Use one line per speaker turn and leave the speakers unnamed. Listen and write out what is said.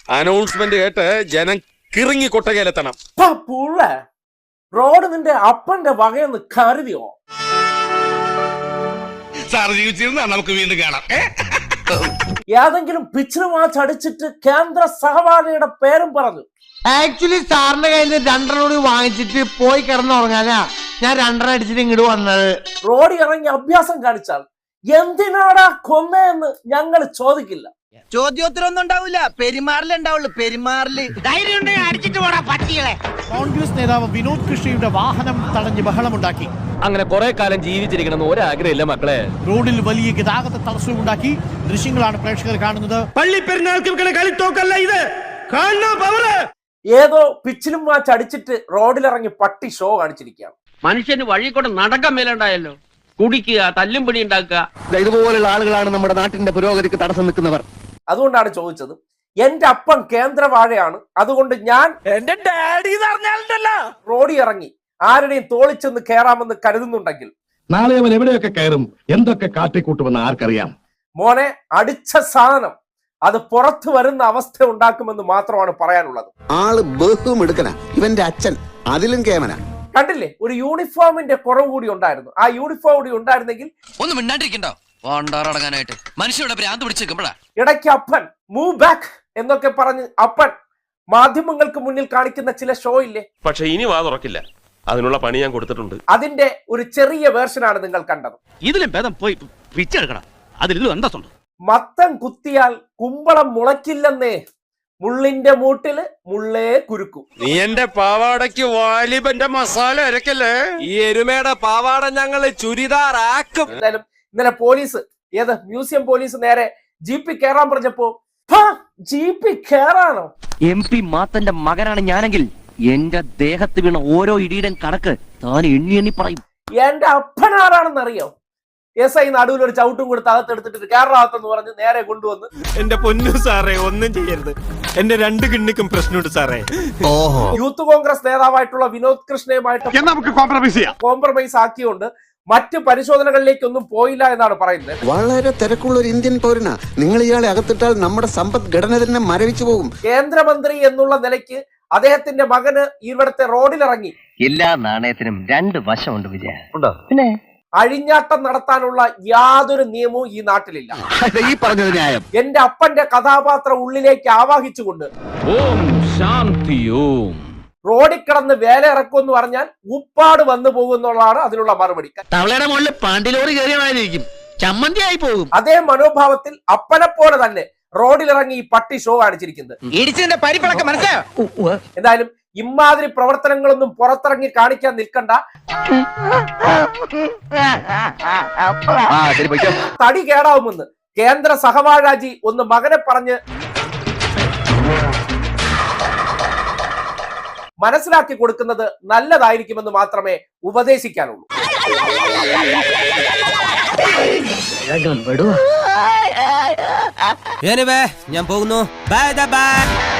Announcement കേട്ട് ജനം കിറങ്ങി കൊട്ടകയിലെത്തണം.
Road നിന്റെ അപ്പന്റെ വകയെന്ന് കരുതിയോ?
സാർ ജീവിച്ചിരുന്ന നമുക്ക് വീണ്ടും കാണാം.
ഏതെങ്കിലും പിച്ചിന് വാച്ച് അടിച്ചിട്ട് കേന്ദ്ര സഹപാഠിയുടെ പേരും പറഞ്ഞു.
ആക്ച്വലി സാറിന്റെ കയ്യിൽ നിന്ന് 2 കൂടി വാങ്ങിച്ചിട്ട് പോയി കിടന്നുറങ്ങാനാ ഞാൻ 2 അടിച്ചിട്ട് ഇങ്ങോട്ട് വന്നത്.
റോഡിൽ ഇറങ്ങി അഭ്യാസം കാണിച്ചാൽ എന്തിനാടാ കൊന്നയെന്ന് ഞങ്ങൾ ചോദിക്കില്ല.
ചോദ്യോത്തരൊന്നും ഉണ്ടാവില്ല, പെരുമാറിലുണ്ടാവുള്ളൂ. പെരുമാറില് ധൈര്യം ഉണ്ടെങ്കിൽ അടിച്ചിട്ട് പോടാ പട്ടികളെ.
കോൺഗ്രസ് നേതാവ് വിനോദ് കൃഷിയുടെ വാഹനം തടഞ്ഞ് ബഹളമുണ്ടാക്കി.
അങ്ങനെ കുറെ കാലം ജീവിച്ചിരിക്കണമെന്ന് ഒരാഗ്രഹമില്ല മക്കളെ.
റോഡിൽ വലിയ ഗതാഗത തടസ്സവും ഉണ്ടാക്കി. ദൃശ്യങ്ങളാണ് പ്രേക്ഷകർ കാണുന്നത്.
ഏതോ പിച്ചിലും വാച്ച് അടിച്ചിട്ട് റോഡിലിറങ്ങി പട്ടി ഷോ കാണിച്ചിരിക്കുകയാണ്.
മനുഷ്യന് വഴി കൂടെ നടക്കാൻ മേലുണ്ടായല്ലോ. കുടിക്കുക, തല്ലും പിടി ഉണ്ടാക്കുക.
ഇതുപോലുള്ള ആളുകളാണ് നമ്മുടെ നാട്ടിന്റെ പുരോഗതിക്ക് തടസ്സം നിൽക്കുന്നവർ.
അതുകൊണ്ടാണ് ചോദിച്ചത്. എന്റെ അപ്പൻ കേന്ദ്രവാഴയാണ്, അതുകൊണ്ട് ഞാൻ
എന്റെ ഡാഡി
റോഡിൽ ഇറങ്ങി ആരുടെയും തോളിച്ചെന്ന് കയറാമെന്ന് കരുതുന്നുണ്ടെങ്കിൽ
നാളെ അവൻ എവിടെയൊക്കെ കയറും, എന്തൊക്കെ കാട്ടിക്കൂട്ടുമെന്ന് ആർക്കറിയാം.
മോനെ, അടിച്ച സാധനം അത് പുറത്തു വരുന്ന അവസ്ഥ ഉണ്ടാക്കുമെന്ന് മാത്രമാണ് പറയാനുള്ളത്.
ആള് ബഹും എടുക്കണ ഇവന്റെ അച്ഛൻ അതിലും കേമന.
കണ്ടില്ലേ, ഒരു യൂണിഫോമിന്റെ കുറവ് കൂടി ഉണ്ടായിരുന്നു. ആ യൂണിഫോം കൂടി ഉണ്ടായിരുന്നെങ്കിൽ
ഒന്നും മിണ്ടാണ്ടിരിക്കണ്ടോ അടങ്ങാനായിട്ട് മനുഷ്യരുടെ ഭ്രാന്ത് പിടിച്ചേക്കുമ്പോഴാ
ഇടയ്ക്ക് അപ്പൻ മൂവ് ബാക്ക് എന്നൊക്കെ പറഞ്ഞ് അപ്പൻ മാധ്യമങ്ങൾക്ക് മുന്നിൽ കാണിക്കുന്ന ചില ഷോ ഇല്ലേ.
പക്ഷെ ഇനി വാ തുറക്കില്ല, അതിനുള്ള പണി ഞാൻ കൊടുത്തിട്ടുണ്ട്.
അതിന്റെ ഒരു ചെറിയ വേർഷനാണ് നിങ്ങൾ കണ്ടത്.
ഇതിലും ഭേദം പോയി പിച്ചെടുക്കണം. അതിലും എന്താ
മത്തം കുത്തിയാൽ കുമ്പളം മുളയ്ക്കില്ലെന്നേ, മുള്ളിന്റെ മൂട്ടില് മുള്ളേ കുരുക്കു.
നീ എന്റെ പാവാടയ്ക്ക് വാലിബന്റെ മസാല അരക്കല്ലേ. ഈ എരുമയുടെ പാവാട ഞങ്ങള് ചുരിദാറാക്കും.
എന്തായാലും ഇന്നലെ പോലീസ്, ഏത് മ്യൂസിയം പോലീസ് നേരെ ജീപ്പിൽ കയറാൻ പറഞ്ഞപ്പോ ജീപ്പിൽ കയറാനോ?
MP മാത്തന്റെ മകനാണ് ഞാനെങ്കിൽ എന്റെ ദേഹത്ത് വീണ ഓരോ ഇടിയുടെ കണക്ക് താൻ എണ്ണി എണ്ണി പറയും.
എന്റെ അപ്പനാരാണെന്ന് അറിയോ? SI നടുവിൽ ഒരു ചവിട്ടും കൊടുത്ത് അകത്തെടുത്തിട്ട് കേരളാകത്തെന്ന് പറഞ്ഞ് നേരെ കൊണ്ടുവന്ന്.
എന്റെ പൊന്നു സാറേ, ഒന്നും ചെയ്യരുത്. എന്റെ 2 കിണ്ണിക്കും പ്രശ്നമുണ്ട് സാറേ.
യൂത്ത് കോൺഗ്രസ് നേതാവായിട്ടുള്ള വിനോദ് കൃഷ്ണയുമായിട്ട്
നമുക്ക്
കോംപ്രമൈസ് ആക്കിയോണ്ട് മറ്റ് പരിശോധനകളിലേക്കൊന്നും പോയില്ല എന്നാണ് പറയുന്നത്.
വളരെ തിരക്കുള്ള ഒരു ഇന്ത്യൻ പൗരനാ. നിങ്ങൾ ഇയാളെ അകത്തിട്ടാൽ നമ്മുടെ സമ്പദ്ഘടന തന്നെ മരവിച്ചു പോകും.
കേന്ദ്രമന്ത്രി എന്നുള്ള നിലയ്ക്ക് അദ്ദേഹത്തിന്റെ മകന് ഇവിടുത്തെ റോഡിലിറങ്ങി
എല്ലാ നാണയത്തിനും 2 വശമുണ്ട് വിജയ. പിന്നെ
അഴിഞ്ഞാട്ടം നടത്താനുള്ള യാതൊരു നിയമവും ഈ നാട്ടിലില്ല.
ഈ പറഞ്ഞത് ന്യായം.
എന്റെ അപ്പന്റെ കഥാപാത്രം ഉള്ളിലേക്ക് ആവാഹിച്ചുകൊണ്ട്
ഓം ശാന്തി ഓം
റോഡിൽ കിടന്ന് വേല ഇറക്കുമെന്ന് പറഞ്ഞാൽ ഉപ്പാട് വന്നു പോകുന്നുള്ളതാണ് അതിനുള്ള മറുപടി.
തവളയുടെ മുകളിൽ പാണ്ടിലോറി കയറിയമായിരിക്കും, ചമ്മന്തി ആയി പോകും.
അതേ മനോഭാവത്തിൽ അപ്പനെ പോലെ തന്നെ റോഡിലിറങ്ങി ഈ പട്ടി ഷോ കാണിച്ചിരിക്കുന്നത്. എന്തായാലും ഇമാതിരി പ്രവർത്തനങ്ങളൊന്നും പുറത്തിറങ്ങി കാണിക്കാൻ നിൽക്കണ്ട. തടി കേടാവുമെന്ന് കേന്ദ്ര സഹവാഴാജി ഒന്ന് മകനെ പറഞ്ഞ് മനസ്സിലാക്കി കൊടുക്കുന്നത് നല്ലതായിരിക്കുമെന്ന് മാത്രമേ ഉപദേശിക്കാനുള്ളൂ.
ഞാൻ പോകുന്നു. Bye by.